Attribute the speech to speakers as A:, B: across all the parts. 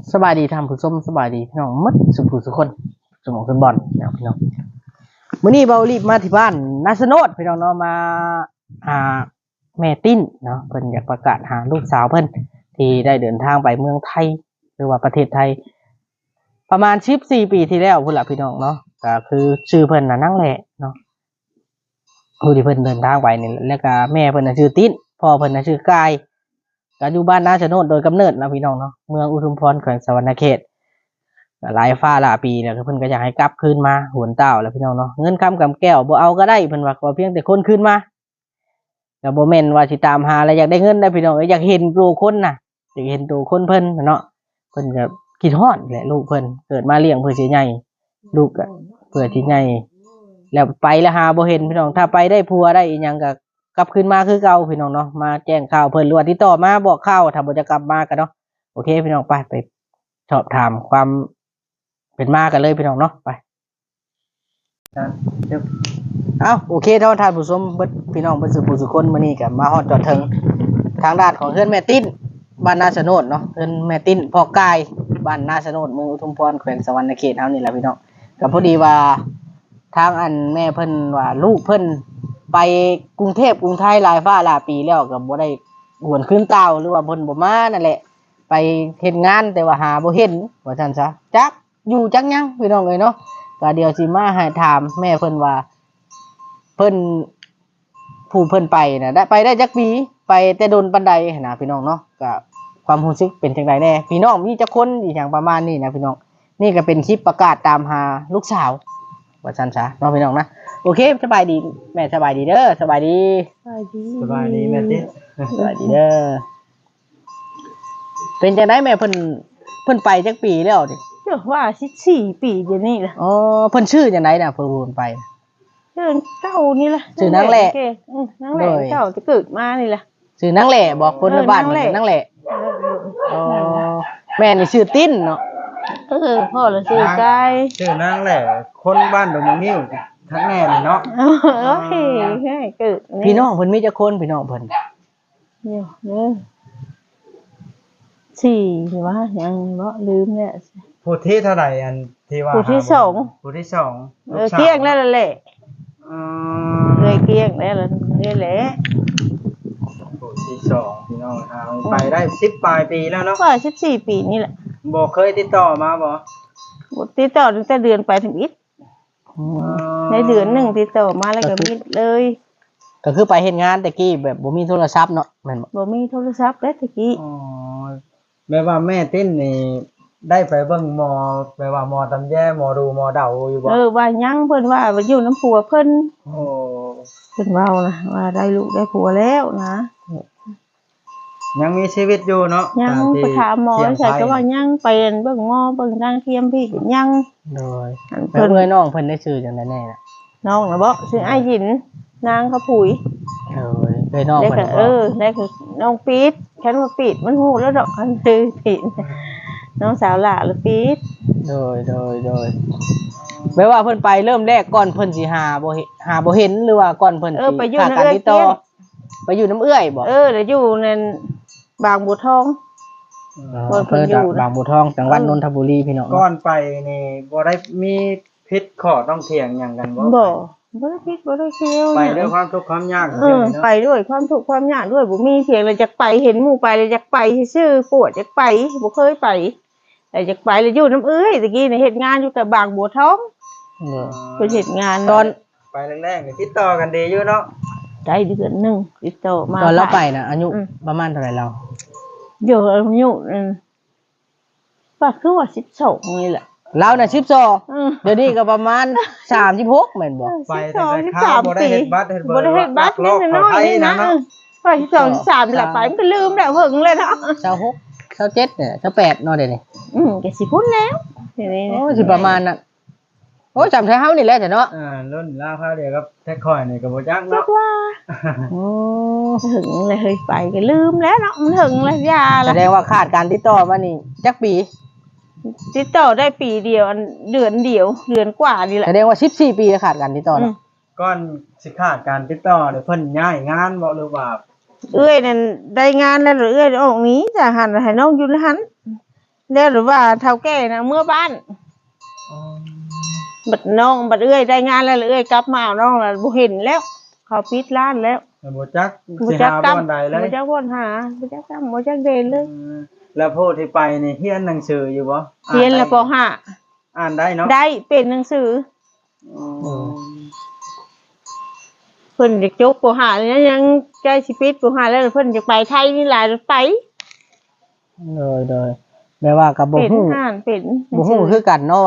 A: สบายดีทำผู้ชมสบายดีพี่น้องมัดสุผู้สุคนสมองสมบอลนะพี่น้องมื้อนี้เบารีบมาที่บ้านนาสโนดพี่น้องเนาะมาหาแม่ติ้นเนาะเพิ่นอยากประกาศหาลูกสาวเพิ่นที่ได้เดินทางไปเมืองไทยหรือว่าประเทศไทยประมาณ14ปีที่แล้วพุ่นล่ะพี่น้องเนาะก็คือชื่อเพิ่นน่ะนั่งแหละเนาะผู้ที่เพิ่นเดินทางไปนี่แล้วก็แม่เพิ่นน่ะชื่อติ้นพ่อเพิ่นน่ะชื่อกายก็อยู่บ้านนาสโนดโดยกำเนิดนะพี่น้องเนาะเมืองอุทุมพรแขวงสะหวรรณเขตหลายฟ้าหลายปีแล้วเพิ่นก็อยากให้กลับคืนมาหวนเต้าแล้วพี่น้องเนาะเงินคำกำแก้วบ่เอาก็ได้เพิ่นว่าขอเพียงแต่คนคืนมาก็บ่แม่นว่าสิตามหาแล้วอยากได้เงินได้พี่น้องอยากเห็นตัวคนน่ะอยากเห็นตัวคนเพิ่นเนาะเพิ่นก็คิดฮอดแหละลูกเพิ่นเกิดมาเลี้ยงเพื่อสิใหญ่ลูกก็เพื่อสิใหญ่แล้วไปแล้วหาบ่เห็นพี่น้องถ้าไปได้ผัวได้อีหยังก็กลับคืนมาคือเก่าพี่น้องเนาะมาแจ้งข่าวเพิ่นหรือว่าติดต่อมาบอกข่าวถ้าบ่จะกลับมาก็เนาะโอเคพี่น้องไปสอบถามความเป็นมากันเลยพี่น้องเนาะไปโอเคท่านผู้ชมเบิดพี่น้องเบิดสุคนมื้อนี้ก็มาฮอดจอดถึงทางด้านของเฮือนแม่ติ้นบ้านนาสโนดเนาะเฮือนแม่ติ้นพ่อกายบ้านนาสโนดเมืองอุทุมพรแขวงสะหวรรณเขตเฮานี่แหละพี่น้องก็พอดีว่าทางอันแม่เพิ่นว่าลูกเพิ่นไปกรุงเทพกรุงไทยหลายฟ้าหลายปีแล้วก็บ่ได้หวนคืนเก่าหรือว่าเพิ่นบ่มานั่นแหละไปเฮ็ดงานแต่ว่าหาบ่เห็นว่าซั่นซะจักอยู่จักยังพี่น้องเอ้ยเนาะก็เดี๋ยวสิมาให้ถามแม่เพิ่นว่าเพิ่นผู้เพิ่นไปน่ะได้ไปได้จักปีไปแต่โดนปานใดนะพี่น้องเนาะก็ความรู้สึกเป็นจังไดแน่พี่น้องมีจักคนอีหยังประมาณนี้นะพี่น้องนี่ก็เป็นคลิปประกาศตามหาลูกสาวว่าซั่นซะเนาะพี่น้องนะโอเคสบายดีแม่สบายดีเด้อสบายดี
B: สบายดีแม่ติ๊
A: สบายดีเด้อเป็นจังไดแม่เพิ่นไปจักปีแล้วดิ
B: เจ้าว่า14ปีเดี๋ยวนี้ล่ะ
A: อ๋อเพิ่นชื่อจังไดน่ะเพิ่นไป
B: ชื่อเจ้านี่ล่ะ
A: ชื่อนางแหละ
B: นางแหละเจ้าจะเกิดมานี่ล่ะ
A: ชื่อนางแหละบอกคนในบ้านนางแหละอ๋อแม่นี่ชื่อติ้นเนาะ
B: พ่อละชื่อกาย
C: ชื่อนางแหละคนบ้านดงมะงิ้วทั้งแม่นี่เนาะ
B: โอ้ยเกิด
A: พี่น้องเพิ่นมีจักคนพี่น้องเพิ่น
B: เดี๋ยวเด้อ4หรือว่ายังบ่ลืมเนี่ย
C: ผู้ที่เท่าไหร่อันที่ว่า
B: ผู้ที่2
C: ผู้ที่2
B: เกลี้ยงแล้วแหละเกลี้ยงแล้วนี่แหละ
C: ผู้ที่2พี่น้องไปได้10ปลายปีแล้วเนาะ
B: ว่า14ปีนี่แหละ
C: บ่เคยติดต่อมาบ่
B: ติดต่อตั้งแต่เดือนไปถึงอิฐในเดือน1ติดต่อมาแล้วก็มิดเลย
A: ก็คือไปเฮ็ดงานแต่กี้แบบบ่มีโทรศัพท์เนาะแม่น
B: บ่มีโทรศัพท์เด้ตะกี้
C: อ๋อแม่ว่าแม่ติ้นนี่ได้ไปเบิ่งหมอแม่ว่าหมอตำแยหมอดูหมอเดาอยู่บ่
B: ว่ายังเพิ่นว่าอยู่น้ำผัวเพิ่น
C: โอ้
B: เพิ่นเว้านะว่าได้ลูกได้ผัวแล้วนะ
C: ยังมีชีวิตอยู่เนาะ
B: ยังไปถามหมอใช่ก็ว่ายังไปเบิ่งหมอเบิ่งทางเทียมพี่ยัง
A: โดยเพิ่นเอ้ยน้องเพิ่นได้ชื่อจังได๋แน่น่ะ
B: น้องน่ะบ่ชื่ออ้ายหยินนางเขาปุ๋ย
A: เอ้ยน้องเพิ่น
B: ได้คือน้องปี๊ดคันว่าปี๊ดมันฮู้แล้วดอกอันคือปี๊ดน้องสาวหล่าหรือปี๊ด
A: โดยแม้ว่าเพิ่นไปเริ่มแรกก่อนเพิ่นสิหาบ่เห็นหรือว่าก่อนเพิ่นสิ
B: ขาดการติดต่อ
A: ไปอยู่น้ำเอื้อยบ่
B: แล้วอยู่ในบางบัวทอง
A: เพิ่นอยู่บางบัวทองจังหวัดนนทบุรีพี่น้อง
C: ก่อนไปนี่บ่ได้มีพิษข้อต้องเถียงหยังกันบ่
B: บ่ได้พิษบ่ได้เคี้ยว
C: ไปด้วยความทุกข์ความยาก
B: ไปด้วยความทุกข์ความยากด้วยบ่มีเพียงเลยจักไปเห็นหมู่ไปเลยจักไปซื่อปวดจักไปบ่เคยไปแต่จักไปแล้วอยู่น้ำเอื้อยตะกี้นี่เฮ็ดงานอยู่กับบางบัวทองเพิ่นเฮ็ดงาน
A: ตอน
C: ไปแรกๆนี่ติดต่อกันดีอยู่เนาะ
B: ได้เดือนนึงติดต่อมา
A: ตอนเราไปน่ะอายุประมาณเท่าไหร่เรา
B: เดี๋ยวอายุว่าคือว่า12นี่แหละ
A: เราน่ะ12เดี๋ยวนี้ก็ประมาณ36แม่นบ่
C: ไปแต่ข้าวบ่ได้เฮ็ดบัตร
B: นี่น้อยนี่นะว่า12 13แหละไปมันก็ลืมแล้วหึงเลยเนาะ
A: 26 27เนี่ย28เนาะเดี๋ยวนี้
B: ก็สิพ้นแล้วเดี๋ยวนี้
A: โอ้สิประมาณน่ะโอ้จำแท้เฮานี่แหละจ้ะเนาะ
C: รุ่นลาวคราวเดียวกับแท้ค่อยนี่ก็บ่จักเนาะ
B: ว่าโอ้หึงเลยเฮ้ยไปก็ลืมแล้วเนาะมันหึงแล้วยาแล้ว
A: แสดงว่าขาดการติดต่อมานี่จักปี
B: ติดต่อได้ปีเดียวเดือนเดียวเดือนกว่านี่แหละ
A: แสดงว่า14ปีขาดการติดต่อเนาะ
C: ก่อนสิขาดการติดต่อเพิ่นย้ายงานบ่หรือว่า
B: นั่นได้งานแล้วเอ้ยออกนี้จะหันให้น้องอยู่หันแล้วหรือว่าเฒ่าแก่นะเมื่อบ้านบัดน้องบัดเอื้อยได้งานแล้วเอื้อยกลับมาเอาน้องแล้วบ่เห็นแล้วเขาปิดร้านแล้ว
C: บ่จัก
B: บ่
C: สิ
B: จัก
C: หา
B: ตำ
C: บ่อนใดเลย
B: บ่จักบ่อนหาบ่จักตำบ่จักเดินเลย
C: แล้วผู้ที่ไปนี่เรียนหนังสืออยู่บ่
B: เรียนแล้วป
C: อ่านได้เนาะ
B: .5 ได้เป็นหนังสือ
C: อืม
B: เพิ่นอยากจบป .5 เลยนะยังใกล้สิปิดป .5 แล้วเพิ่นจะไปไทยนี่หลายไป
A: เลยแม่ว่ากับบ่
B: เป็น
A: ฮู้
B: อ่านเป็น
A: บ่ฮู้คือกันเนาะ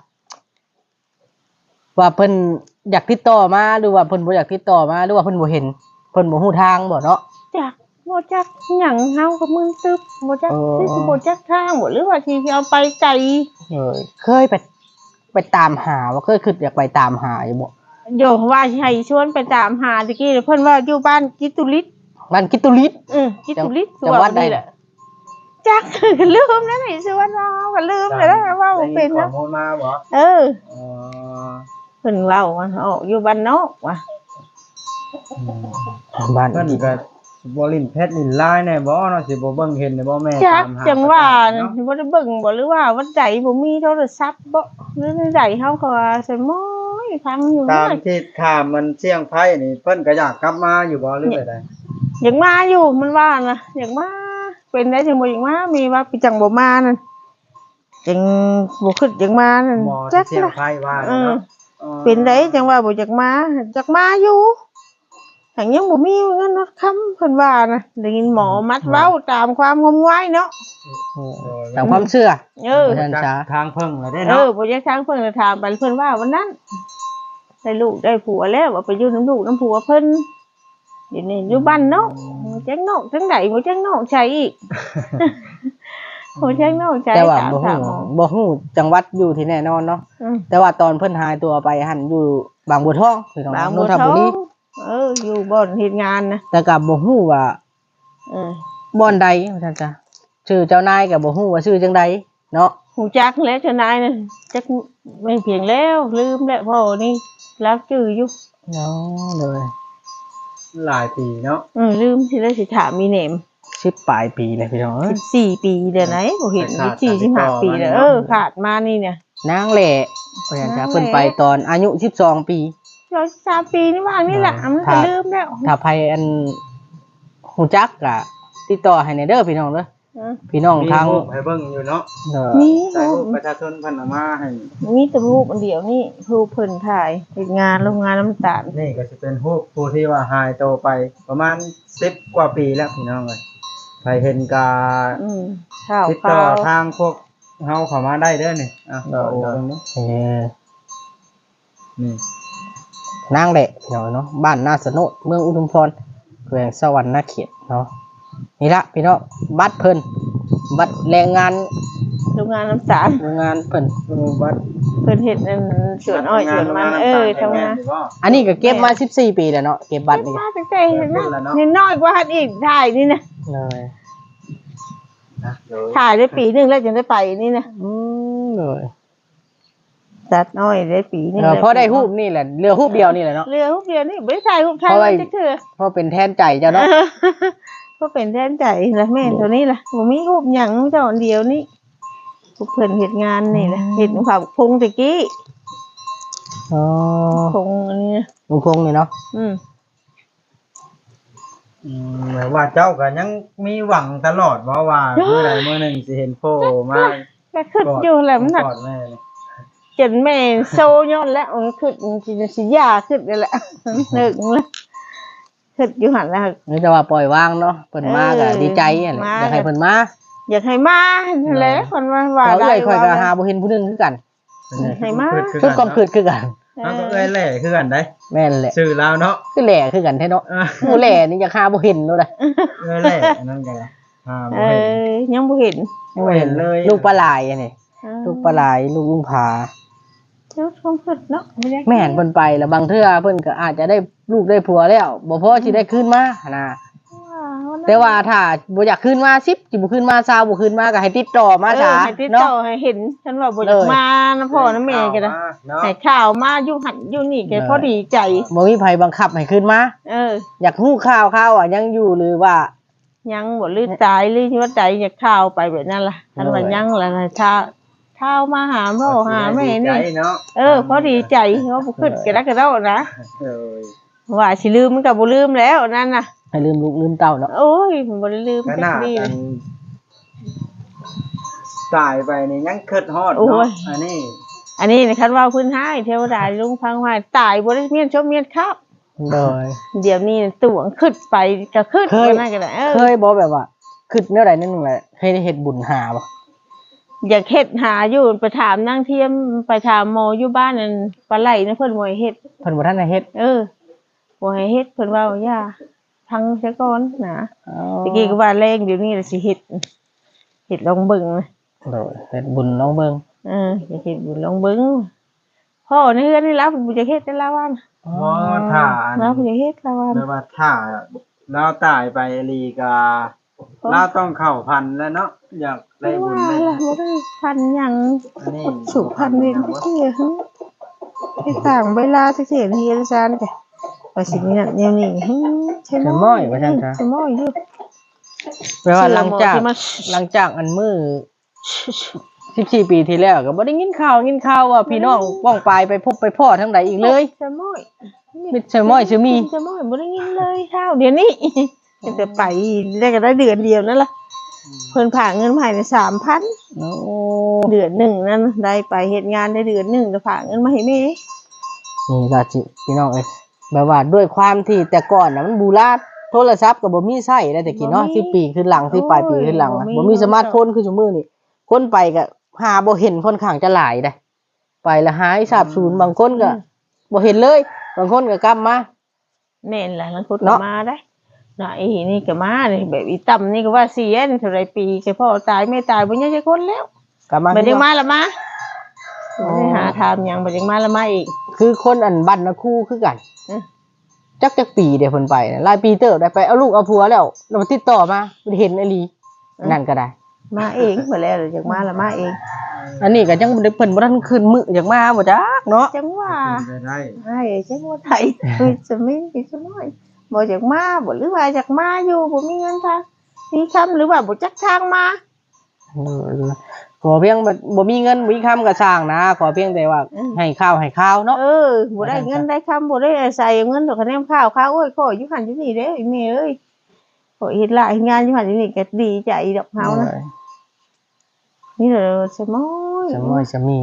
A: ว่าเพิ่นอยากติดต่อมาหรือว่าเพิ่นบ่อยากติดต่อมาหรือว่าเพิ่นบ่เห็นเพิ่นบ่ฮู้ทางบ่เนาะ
B: จักบ่จักหยังเฮากับมึงตึบบ่จัก
A: เออ
B: สิบ่จักทางบ่หรือว่าสิเอาไปไกล
A: เคยไปตามหาว่าเคยคิดอยากไปตามหาอยู่บ่
B: โยว่าสิให้ชวนไปตามหาตะกี้เพิ่นว่าอยู่บ้านกิตุลิศ
A: บ้านกิตุลิศ
B: กิตุลิศ
A: จังหวัดใด
B: นี่แหละจัก ลืมแล้วนี่ชวนเราก็ลืมไปแล้วว่าบ่เป็น
C: ได้
B: นะ
C: ข้อมูลมาบ่
B: เออ
C: อ๋อ
B: เพิ่นเล่าว่าอยู่บ้านนอกว่ะ
A: บ้าน
C: เพิ่นก็บ่ลิ้นเพชรลิ้นลายแน่บ่เนาะสิบ่เบิ่งเห็นได้บ่แม่
B: จัก
C: ตามหา
B: จังว่า
C: เนาะ
B: บ่ได้เบิ่งบ่หรือว่าวันใดบ่มีโทรศัพท์บ่หรือใดเฮาก็ว่าใส่ม้อยฟังอยู่
C: ตาม
B: นะ
C: ที่ข่าวมันเสี่ยงภัยนี่เพิ่นก็อยากกลับมาอยู่บ่หรือไปใด
B: อยากมาอยู่มันว่านะอยากมาเป็นได้จังบ่อยากมามีว่าไปจังบ่มานั่นจังบ่คิดอยากมานั่น
C: หมอ
B: จั
C: ที่
B: ก
C: เสี่ยง
B: นะ
C: ภัยว่า
B: เออ
C: เนาะ
B: เป็นได้จังว่าบ่อยากมาอยู่หังยังบ่มีเงินรถค้ำเพิ่นว่านะได้ยินหมอมัดเว้าตามความงมงายเนาะ
A: ตามความเชื่อ
B: เออ
A: ท่านช้า
C: ทางเพิ่งแล้วได้
B: เอ
C: เนาะ
B: อบ่อยากทางเพิ่นก็ถามไปเพิ่นว่าวันนั้นได้ลูกได้ผัวแล้วว่าไปอยู่น้ำลูกน้ำผัวเพิ่นเดี๋ยวนี้อยู่บ้านเนาะจังนอกจังไดบ่จังนอกใช่อีกบ่จังนอกใช่
A: แต่ว่า
B: ถาม
A: บ่
B: ถา
A: ฮู้
B: มหมอ
A: บ่ฮู้จังหวัดอยู่ที่แน่นอนเนาะ
B: อืม
A: แต่ว่าตอนเพิ่นหายตัวไปหันอยู่บางบัวทองพี่น้อง
B: บาง
A: น
B: บัวน
A: ท
B: ท
A: บุ
B: อ
A: รี
B: งอยู่บ่อนเฮ็ดงานนะ
A: แต่ก็บ่ฮู้ว่า
B: เออ
A: บ่อนใดว่าซั่นจ้ะชื่อเจ้านายก็บ่ฮู้ว่าชื่อจังใดเนาะ
B: หูจักแล้วเจ้านายน่ะจักไม่เพียงแล้วลืมแล้วพ่อนี่รักจื้ออยู่
A: เนาะเลย
C: หลายปีเนาะ
B: ลืมสิได้สิถามมีเนม
A: 10ปลายปีเลยพี่น้องเอ้ย
B: 14 ปีเดี๋ยวไหนบ่เห็น15 ปีแล้วขาดมานี่เนี่ย
A: นางแหล่ว่าซั่นจ้ะเพิ่นไปตอนอายุ12 ปี
B: 3 ปีนี่ว่างนี่แหละมันก็ลืมแล้ว
A: ถ้าไผอันฮู้จักก็ติดต่อให้ในเด้อพี่น้องเด้อพี่น้อง
C: มี
A: ทาง
C: รูปให้เบิ่งอยู่เนาะ
B: มี
C: ใส่รูปประชาชนเพิ่นเอามาให้
B: มีแต่รูปอันเดียวนี่รูปเพิ่นถ่ายเฮ็ดงานโรงงานน้ำตาล
C: นี่ก็สิเป็นรูปผู้ที่ว่าหายตัวไปประมาณ10กว่าปีแล้วพี่น้องเอ้ยใครเห็นก็
B: ข้าว
C: ติดต่อ
B: ข้าว
C: ทางพวกเฮาเข้ามาได้เด้อนี่อ่ะโอ้ตรงนี้
A: เออ
C: นี่
A: นางแหละพี่น้องเนาะบ้านนาสนุเมืองอุทุมพรแขวงสวรรณเขตเนาะนี่ละพี่น้องบัตรเพิ่นบัตรแรงงาน
B: โรงงานน้ำตาล
A: โรงงานเพิ่น
C: รูปบัตร
B: เพิ่นเฮ็ดอันสวนอ้อยสวนมันทำงาน
A: อันนี้ก็เก็บมา14 ปีแล้วเนาะเก็บบัตรนี่
B: มาตั้งแต่เห็นนะเห็นน้อยกว่าหันอีกถ่ายนี่นะ
A: เลย
C: นะเดี๋ยว
B: ถ่ายได้ปีหนึงแล้วจึงได้ไปนี่นะ
A: เลย
B: ตัดน้อยได้ปีหนึง
A: พอได้รูปนี่แหละเรือรูปเดียวนี่แหละเนาะ
B: เรือรูปเดียวนี่บ่ได้ถ่ายรูปถ่าย
A: เพราะว่า
B: จักเทื่อ
A: เพราะเป็นแทนใจเจ้าเนาะ
B: ก็เป็นแทนใจละแม่ตัวนี้ล่ะบ่มีรูปหยังเจ้าอันเดียวนี่พวกเพิ่นเฮ็ดงานนี่นะเฮ็ดผักพงตะกี้
A: อ๋อ
B: พงอันนี้นะ
A: ลุงพงษ์นี่เนาะ
C: หมายว่าเจ้าก็ยังมีหวังตลอดว่าเมื่อใดเมื่อหนึ่งสิเห็นโผล่มา
B: ก็ขึ้นอยู่แหละมันน่ะ
C: กอดแม่เลย
B: จนแม่โซย้อนแล้วมันขึ้นสิยาขึ้นนั่นแหละนึกแล้วขึ้นอยู่หั่นแล้ว
A: นี่จะว่าปล่อยวางเนาะเพิ่นมาก็ดีใจนั่นแหละอยากให้เพิ่นมา
B: อยากให้มานั่นแหละคนว่า
A: เรา
B: ได้
A: เอ้ยค่อยก็หาบ่เห็นผู้หนึงคือกัน
B: ให้มา
A: ทุกความคิดคือกัน
C: เอาก็เอ้ยแหล่คือกันได้
A: แม่นแหละ
C: ชื่อลาวเนาะ
A: คือแหล่คือกันแท้เนาะหมู่แหล่นี่อยากหาบ่เห็นโลดอะ
C: เอ้ยแหล่นั่นกันบ่เห็น
B: ยังบ่เห็น
C: บ่เห็นเลย
A: ลูกปลาลายอันนี้ลูกปลาลายลูกลุงผา
B: เจ้าความคิดเนาะ
A: แม่นเพิ่นไปแล้วบางเทื่อเพิ่นก็อาจจะได้ลูกได้ผัวแล้วบ่พอสิได้คืนมานะแต่ว่าถ้าบ่อยากคืนมา10สิบ่คืนมา20บ่คืนมาก็ให้ติดต่อมาซะ
B: ให้ติด
A: เนาะ
B: ต่อให้เห็นฉันว่าบ่อยากมานะพ่อนะแม่ก็ได้
C: เนาะ
B: ให้ข่าวมาอยู่หันอยู่นี่แกพอดีใจ
A: บ่มีไผบังคับให้คืนมา
B: เออ
A: อยากฮู้ข่าวอ่ะยังอยู่หรือว่า
B: ยังบ่ลืมตายหรือว่าใจอยากข้าวไปแบบนั้นล่ะคันว่ายังล่ะเช้ามาหาพ่อหาแม่นี่พอดีใจว่าบ่ขึ้นกระดักกระเดานะว่าสิลืมมันก็บ่ลืมแล้วนั่นน่ะ
A: ให้ลืมลูกลืมเต้าเนาะ
B: โอ้ยผมบ่ได้ลืม
C: ขนาดตายไปนี่ยังคิดฮอดเนาะอันนี้
B: คันว่าพื้นให้เทวดาลุงพังว่าตายบ่ได้เมียนชมเมียนครับ
A: โดย
B: เดี๋ยวนี้ตั๋วขึ้นไปก็ขึ้นนั่นก็ได้
A: เคยบ่แบบว่าขึ้นแนวใดนั่นนึงแหละเคยได้เฮ็ดบุญหาบ่
B: อยากเฮ็ดหาอยู่ไปถามนางเทียมไปถามหมออยู่บ้านนั่นปลาไหลนะเพิ่นบ่ให้เฮ็ด
A: เพิ่นบ่ทันให้เฮ็ด
B: บ่ให้เฮ็ดเพิ่นว่าอย่าพังซะก่อนนะตะกี้ก็ว่าแรงเดี๋ยวนี้ล่ะสิเฮ็ดลองเบิ่ง
A: โดยเฮ็ดบุญลองเบิ่ง
B: อยากเฮ็ดบุญลองเบิ่งพ่อในเฮือนนี่รับบ่อยากเฮ็ดแต่ละวัน
C: บ่ท่า
B: แล้วบ่อยากเฮ็ดละวัน
C: แม่ว่าท่าเราตายไปลีกาเราต้องเข้าพันแล้วเนาะอยากได้บุญได้
B: บ่ได้พันหยังสุพันนี่ที่ให้ต่างเวลาสิเฮ็ดเฮ็ดซานแกว่าสิมีนั่นแนวนี้ใช่
A: ม้อยว่าซั่นซะ
B: ใช่ม้อยอยู่
A: แปลว่าหลังจากอันมื้อ14 ปีที่แล้วก็บ่ได้ยินข่าวว่าพี่น้องป้องปายไปพบไปพ่อทางใดอีกเลย
B: ใช่ม้อย
A: มิใช่ม้อยชื่อมี
B: ใช่ม้อยบ่ได้ยินเลยข่าวเดี๋ยวนี้จะไปได้ก็ได้เดือนเดียวนั่นล่ะเพิ่นฝากเงินมาให้ได้ 3,000
A: โอ้
B: เดือนนึงนั่นได้ไปเฮ็ดงานได้เดือนนึงก็ฝากเงินมาให้แม่
A: นี่ล่ะจิพี่น้องเอ้ยแบบว่าด้วยความที่แต่ก่อนน่ะมันบูราณโทรศัพท์ก็บ่มีใช้ได้แต่กี้เนาะ10 ปีขึ้นหลัง10 ปลายปีขึ้นหลังบ่มีสมาร์ทโฟนคือซุมื้อนี้คนไปก็หาบ่เห็นค่อนข้างจะหลายได้ไปแล้วหายสาบสูญบางคนก็บ่เห็นเลยบางคนก็กลับมา
B: แม่นล่ะบางคนก็มาได้น่ะไอ้นี่ก็มานี่แบบอีต่ำนี่ก็ว่าเสียนี่เท่าไรปีแค่พ่อตายแม่ตายบ่ยังจะคนแล้ว
A: กลับมา
B: บ่ได้มาละมาได้หาถามหยังบ่ได้มาละมาอีก
A: คือคนอันบ้านนะคู่คือกันจักปีเดี๋ยวเพิ่นไปหลายปีเติบได้ไปเอาลูกเอาผัวแล้วมาติดต่อมาเห็นไอ้ลีนั่นก็ได้
B: มาเองมาแล้วอยากมาละมาเอง
A: อันนี้ก็ยังบ่ได้เพิ่นบ่ทันขึ้นมื้ออยากมาบ่จักเนาะ
B: จังว่าได้จังว่าไทยจะมีจะน้อยบ่อยากมาบ่หรือว่าอยากมาอยู่บ่มีเงินทางมีคำหรือว่าบ่จักทางมา
A: ขอเพียงบ่มีเงินบ่มีคำก็สร้างนะขอเพียงแต่ว่าให้ข้าวเนาะ
B: บ่ได้เงินได้คำบ่ได้ใส่เงินดอกคะแนนข้าวโอ้ยขออยู่หั่นอยู่นี่เด้แม่เอ้ยขอเฮ็ดหลายงานอยู่หั่นอยู่นี่ก็ดีใจดอกเฮานะนี่เด้อสมอย
A: จะมี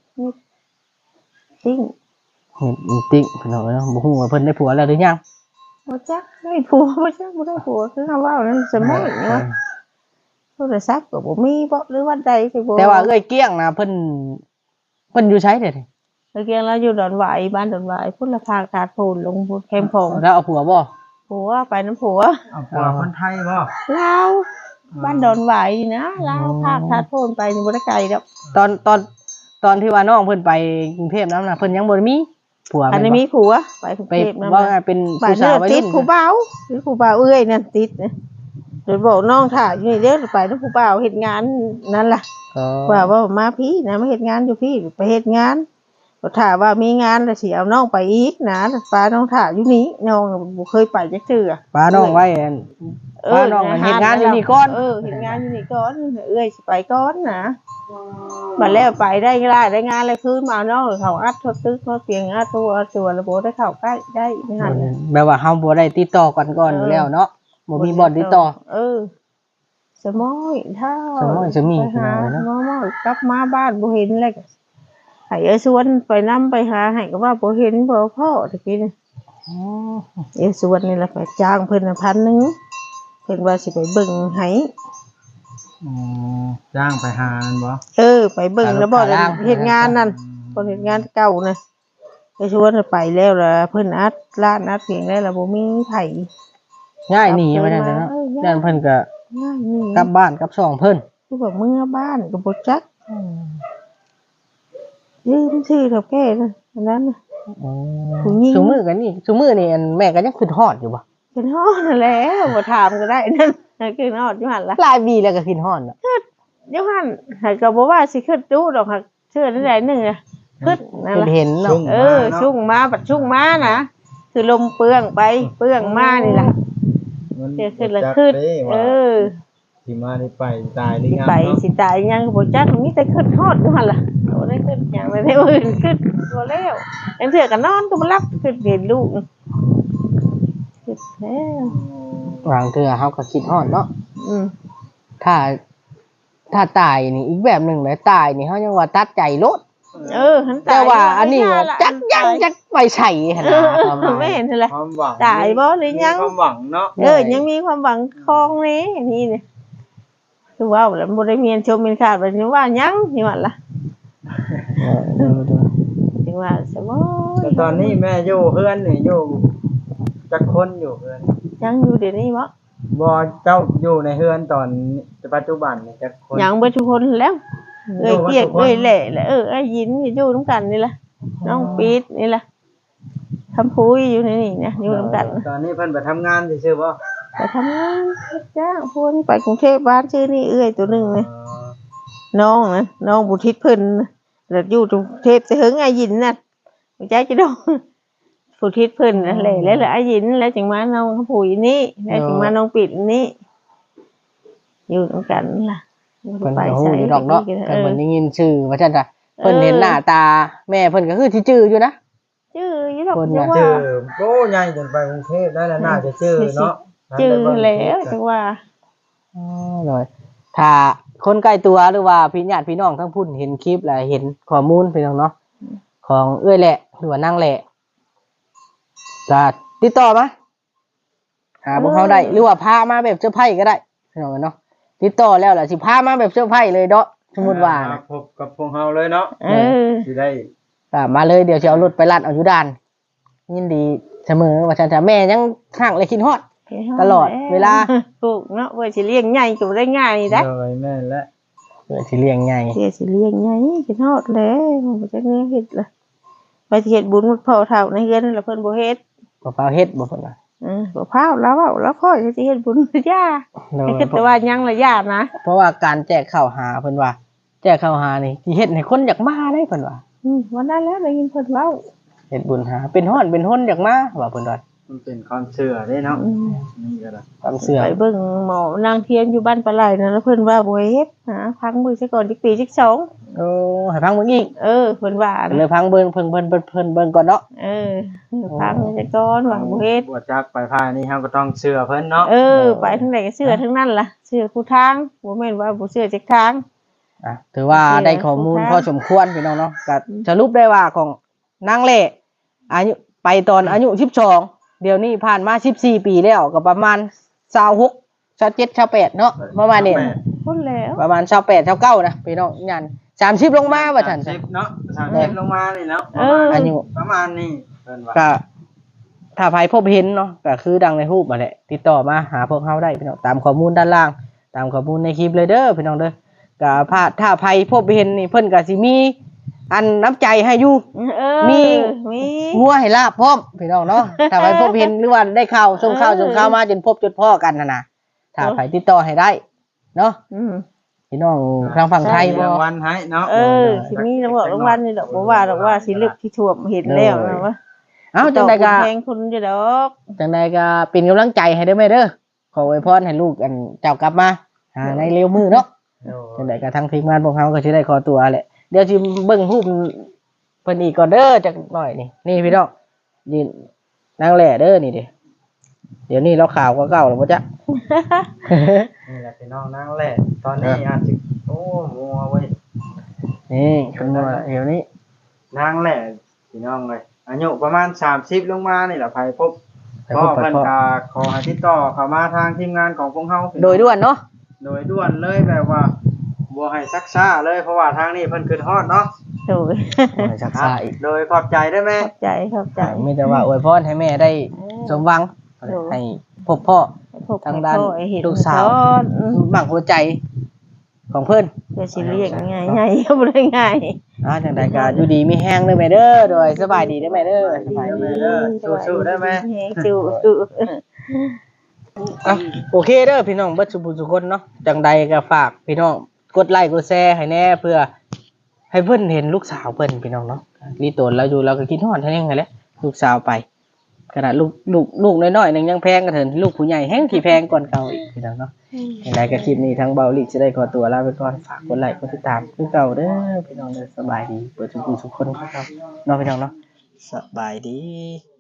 B: ติ๊ง
A: ติ๊งเพิ่นเนาะบ่ฮู้ว่าเพิ่นได้ผัวแล้วหรือยัง
B: บ่จักได้ผัวบ่จักบ่ได้ผัวคือคำว่านั่นสมอยนี่ว่าโทรศัพท์ก็บ่มีบ่หรือว่าใดสิบ่
A: แต่ว่าเอ้ยเกี้ยงนะเพิ่นอยู่ไสเด้
B: เอ้ยเกี้ยงแล้วอยู่ดอนหวายบ้านดอนหวายพุ่นละภาคถาดพูนลงพุ่นแคมพง
A: แล้วเอาผัวบ่
B: ผัวไปน้ำผัว
C: เอาผัวคนไทยบ่
B: ลาวบ้านดอนหวายนี่นะลาวภาคถาดพูนไปนี่บ่ได้ไกลดอก
A: ตอนที่ว่าน้องเพิ่นไปกรุงเทพนั้นน่ะเพิ่นยังบ่ได้มีผัว
B: อันนี้มีผัวไปกรุงเทพ
A: นำว่าเป็นผู้สาววัยรุ่น
B: ติดผู้บ่าวหรือผู้บ่าวเอ้ยนั่นติดเดี๋ยวบอกน้องถ่าอยู่นี่เด้อไปนำผู้บ่าวเฮ็ดงานนั่นล่ะว่ามาพี่นะมาเฮ็ดงานอยู่พี่ไปเฮ็ดงานก็ถ้าว่ามีงานแล้วสิเอาน้องไปอีกนะป้าน้องถ่าอยู่นี่น้องบ่เคยไปจักเทื่อ
A: ป้าน้องไว้ป้าน้องเฮ็ดงานอยู่นี่ก่อน
B: เฮ็ดงานอยู่นี่ก่อนเอ้ยสิไปก่อนนะบัดแล้วไปได้งานเลยคืนมาน้องเขาอัดทดตึกเขาเสียงอัดตัวระบบได้เข้าใกล้ได้ไม่หัน
A: แปลว่าเฮาบ่ได้ติดต่อกันก่อนอยู่แล้วเนาะบ่มีบ่อนติดต่อ
B: สมอยถ้า
A: จะมี
B: หาน้องกลับมาบ้านบ่เห็นเลยให้เอ้สวนไปนำไปหาให้ก็ว่าบ่เห็นบ่พ่อตะกี้นี่เอ้สวนนี่ล่ะไปจ้างเพิ่น1,000เพิ่นว่าสิไปเบิ่งให้
C: จ้างไปหาบ่
B: ไปเบิ่งแล้วบ่เฮ็ดงานนั่นเพิ่นเฮ็ดงานเก่านะไอ้ชวนไปแล้วล่ะเพิ่นอัดร้านอัดเพียงได้ล่ะบ่มีไผ
A: ง่ายหนีมาได้เนาะด้านเพิ่นก็กลับบ้านกลับช่องเพิ่น
B: คือว่าเมื่อบ้านก็บ่จักยืมชื่อเฒ่าแก่นั้นน่ะ
A: ซุมื้อกันนี่ซุมื้อนี่แม่ก็ยังคิดฮอดอยู่บ่
B: คิดฮอดนั่นแหละบ่ถามก็ได้นั่นคิดฮอดอยู่หั่นล่ะ
A: หลายปีแล้วก็คิดฮอดน่ะ
B: อยู่หั่นก็บ่ว่าสิคิดดูดอกค่ะเชื่อได้นึงอ่ะคิดนั่นล่ะ
A: เห็นเนาะ
B: ชุ่งมาบัดชุ่งมานะคือลมเปื้องไปเปื้องมานี่ล่ะ
C: มัน
B: เสียขึ้นแล้ว
C: จัก
B: ขึ้น
C: เด้ว่า สิมาได้ไปตายหรือ
B: สิ
C: ยัง
B: ไป
C: เนาะ
B: สิตายยังก็บ่จักมีแต่ขึ้นฮอดอยู่หั่นล่ะบ่ได้ขึ้นหยังเลยได้อื่นขึ้นบ่แล้วจังเทื่อก็นอนก็บ่หลับขึ้นเห็นลูกขึ้นแล้ว
A: วางเทื่อเฮาก็คิดฮอดเนาะ
B: อืม
A: ถ้าตายนี่อีกแบบหนึงเลยตายนี่เฮายังว่าตัดใจโลด
B: หันตาย
A: แต่ว่าอันนี้
B: ย่าละ
A: จักยังจักไปใส่หั่น
B: เอ
A: น่ะ
B: อ
A: ความหมาย
B: ไม่เห็นเลย
C: ความหวัง
B: ตายบ่หรือยัง
C: มีความหวังเนาะ
B: ยังมีความหวังคลองนี้นี่เนี่ยคือว่าแล้วบ่ได้เมียนชมเมียนขาดไปถึงว่ายังนี่ว่าล่ะ
A: เออ
B: ถึงว่าสมอ
C: แต่ตอนนี้แม่อยู่เฮือนนี่อยู่จักคนอยู่เฮือน
B: ยังอยู่เดี๋ยวนี้บ่
C: บ่เจ้าอยู่ในเฮือนตอนปัจจุบันนี่จักคน
B: ยังเบ่ทุกคนแล้วเอ้ย
C: อยู่
B: เปียก
C: เบิดทุกคน
B: เอ้ยแหล่แล้วไอ้ยินอยู่นํกันนี่ล่ะน้องปีดนี่ล่ะคำพูยอยู่ในนี่นะอยู่นํกัน
C: ตอนนี้เพิ่นไปทำงานซื่อๆบ่
B: ไปทำงานรับจ้างพวกนี้ไปกรุงเทพบ้านชื่อนี่เอ้ยตัวหนึงเลย
C: อ๋อ
B: น้องนะน้องบุทิศเพิ่นน่ะแล้วอยู่กรุงเทพจะเฮิงไอ้ยินน่ะบ่ใจจะดองบุทิศเพิ่นนั่นแหละแล้วไอ้ยินแล้วจึงมาน้องขผู้ยนี่แล้วจึงมาน้องปิดนี่อยู่นำกันล่ะ
A: เพิ่นก็ฮู้อยู่ดอกเนาะแต่เพิ่นได้ยินชื่อว่าซั่นจ้ะเพิ่นเห็นหน้าตาแม่เพิ่นก็คือสิจื้ออยู่นะ
B: ชื่ออยู่ดอก
A: คน
B: จั
A: น่ะ
B: งว่า
C: ชื่อโตใหญ่จนไปกรุงเทพได้แล้วน่าจะชื่อเนาะ
B: ชื่อแล้วจังว่า
A: อ๋อเลยถ้าคนใกล้ตัวหรือว่าพี่ญาติพี่น้องทั้งพุ่นเห็นคลิปแล้วเห็นข้อมูลพี่น้องเนาะของเอื้อยแหละหรือว่านางแหละจะติดต่อมาหาพวกเขาได้หรือว่าพามาแบบเสื้อร์ไผ่ก็ได้พี่น้องเนาะติดต่อแล้วล่ะสิพามาแบบเสื้อร์ไผ่เลยเนาะสมมุติว่า
C: มา
A: นะ
C: พบกับพวกเฮาเลยเนาะ สิได้
A: มาเลยเดี๋ยวจะเอารถไปลัดเอาอยู่ด่านยินดีเสมอว่าฉันจะแม่ยังข้างเลยคิดฮอด ตลอดเวลา
B: ถูกเนาะเพื่อสิเลี้ยงใหญ่ก็บ่ได้ง่ายนี่ได้
C: เลยแม่นและ
A: เพื่อสิเลี้ยงไง
B: เสียสิเลี้ยงใหญ่คิดฮอดแล้วบ่จักแนวเฮ็ดล่ะไปสิเฮ็ดบุญมุดพ่อเฒ่าในเฮือนนั่นล่ะเพิ่นบ่เฮ็ด
A: บ่เปล่าเฮ็ดบ่เพิ่นว่า
B: บ่พาวแล้วเว้าแล้วพ่อสิเฮ็ดบุญย่า
A: โดย
B: คิดแต่ว่ายังละย่านะ
A: เพราะว่าการแจกข้าวหาเพิ่นว่า แจกข้าวหานี่สิเฮ็ดให้คนอยากมาได้เพิ่นว่า
B: วันนั้นแล้วได้ยินเพิ่นเว้า
A: เฮ็ดบุญหาเป็นฮ้อนเป็นฮ้นอยากมาว่าเพิ่นว่า
C: มันเป็นความเชื่อเด้เนาะนี่ก็ได้
A: ความเชื่อ
B: ไปเบิ่งหมอนางเทียนอยู่บ้านปลาไหลนั่นแล้วเพิ่นว่าบ่เฮ็ดหาพังมือซะก่อนจักปีจักสอง
A: โอ้ให้พังเบิ่งอีก
B: เพิ่นว่า
A: เลยพังเบิ่งเพิ่นเบิ่งก่อนเนาะ
B: พังซะก่อนว่าบ่เฮ็ด
C: บ่จักไปพายนี่เฮาก็ต้องเชื่อเพิ่นเนาะ
B: ไปทางไหนก็เชื่อทั้งนั้นล่ะเชื่อผู้ทางบ่แม่นว่าบ่เชื่อจักทาง
A: ถือว่าได้ข้อมูลพอสมควรพี่น้องเนาะก็สรุปได้ว่าของนางเล่อายุไปตอนอายุ12เดี๋ยวนี้ผ่านมา14ปีแล้วก็ประมาณ26 27 28เนาะประมาณนี้
B: พุ่นแล้ว
A: ประมาณ28 29นะพี่น้องยัน30ลงมาว่าซั่น
C: 30เนาะ30ลงมานี่เนาะ
A: อายุ
C: ประมาณนี้เพิ่นว่า
A: ก็ถ้าใครพบเห็นเนาะก็คือดังในรูปมาแหละติดต่อมาหาพวกเขาได้พี่น้องตามข้อมูลด้านล่าง ตามข้อมูลในคลิปเลยเด้อพี่น้องเด้อก็ถ้าใครพบเห็นนี่เพิ่นก็สิมีอันน้ำใจให้อยู่ มี
B: มี
A: งัวให้ลาบพร้อมพี่น้องเนาะถ้าใครพบเห็นหรือว่าได้ข่าวส่งข่าวมาจนพบจนพ่อกันนะถ้าใครติดต่อให้ได้เนาะพี่น้องทางฝั่งไทยบ่
C: รางวัลให้เนาะ
B: สิมีรางวัลนี่ดอกบ่ว่าดอกว่าสิลึกที่ท่วมเห็นแล้วนะว่า
A: เอ้าจังใดก็
B: แพงคุณอยู่ดอก
A: จังใดก็เป็นกำลังใจให้ได้ไหมเด้อขออวยพรให้ลูกอันเจ้ากลับมาในเร็วมือเนาะจังใดก็ทางทีมงานพวกเขาก็สิได้ขอตัวแหละเดี๋ยวสิเบิ่งรูปเพิ่นอีกก่อนเด้อจักหน่อยนี่พี่น้องยืนนางแหล่เด้อนี่ดิเดี๋ยวนี้เราข่าวก็เก่าแล้วบ่จ๊ะ
C: นี่แหละพี่น้องนางแหละตอนนี้อาจสิโอ้มัวเว้ย
A: นี่คุณว่าเดี๋ยวนี้
C: นางแหละพี่น้องเลยอายุประมาณ30ลงมานี่แหละไผพบก็เพิ่นก็ขอให้ติดต่อเข้ามาทางทีมงานของพวกเฮา
A: โดยด่วนเนาะ
C: โดยด่วนเลยแบบว่าบ่ให้ซักช้าเลยเพราะว่าทางนี้เพิ่นขึ้นฮอดเนาะ
B: โดย
A: ชักษาอีก
C: โดยขอบใจได้ไหม
B: ขอบใจ
A: มีแต่ว่าอวยพรให้แม่ได้สมหวังให้พบพ่อ ทางด้านลูกสาว บังหัวใจของเพิ่น
B: เพื่อสิเรียกง่ายๆบ่ได้ง่าย
A: จังใดก็อยู่ดีมีแห้งเด้อแม่เด้อโดยสบายดีเด้อแม่เด้อสบายดี
C: สู้ๆได้ไหม
B: สู้
A: โอเคเด้อพี่น้องเบิดสุคนเนาะจังใดก็ฝากพี่น้องกดไลค์กดแชร์ให้แน่เพื่อให้เพิ่นเห็นลูกสาวเพิ่นพี่น้องเนาะรีโตนเราอยู่เราก็คิดฮอดให้แน่ไงแหละลูกสาวไปขนาดลูกน้อยๆนึงยังแพงก็เถินลูกผู้ใหญ่แฮงที่แพงก่อนเก่าอีกพี่น้องเนาะอย่างไรก็คลิปนี้ทางเบาลิจะได้ขอตัวลาไปก่อนฝากกดไลค์กดติดตามคือเก่าเด้อพี่น้องเด้อสบายดีเปิดทุกคนครับเนาะพี่น้องเนาะสบายดี